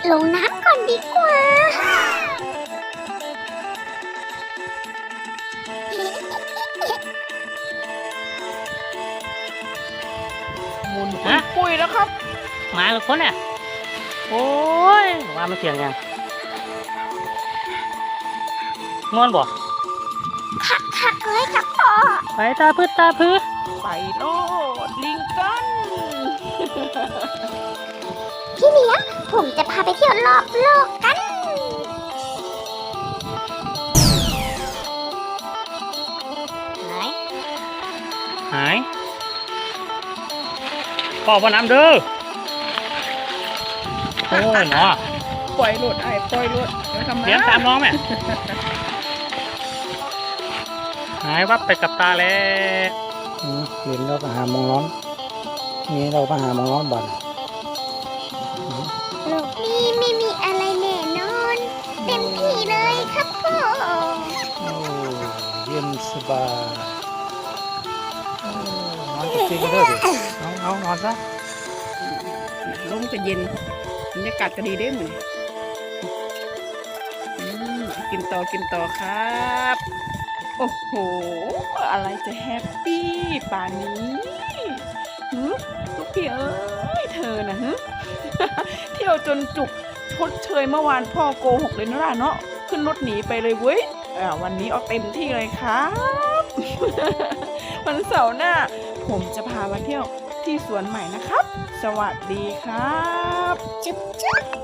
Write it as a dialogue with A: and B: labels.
A: ลงน้ำก่อนดีกว่า
B: หมุนปุ้ยแล้วครับมาหรือคนเนี่ยโอ้ยว่ามันเสียงยังงอนบ่
A: ค่ะเลยครับพ่อ
B: ไปตาพื้นตาพื้น
C: ไปโลดลิงกัน
A: พี่เลี้ยงผมจะพาไปเที่ยวรอบโลกกัน
B: หายพ่อพ่อน้ำเด้อโอ้ยเนาะ
C: ปล่อยหลุดไอ้ปล่อยหลุดเดี๋ยวทำไม
B: เลี้ยงตามน้องแม่หายวับไปกับตาแล้วเห็นเราไปหามองร้อนนี่เราไปหามองร้อนบ่อน
A: โลกนี้ไม่มีอะไรแน่นอนเต็มที่เลยครับพ่อ
B: โอ้เย็นสบายนอนจริงๆเลยเอานอนซะ
C: ลมจะเย็นบรรยากาศก็ดีได้เหมือนกินต่อครับโอ้โหอะไรจะแฮปปี้ป่านนี้ลูกพี่เอ้ยเธอนะเที่ยวจนจุกชดเชยเมื่อวานพ่อโกหกเลยนะล่ะเนาะขึ้นรถหนีไปเลยเว้ยวันนี้เอาเต็มที่เลยครับ วันเสาร์หน้าผมจะพามาเที่ยวที่สวนใหม่นะครับสวัสดีครับ
A: จุ๊บ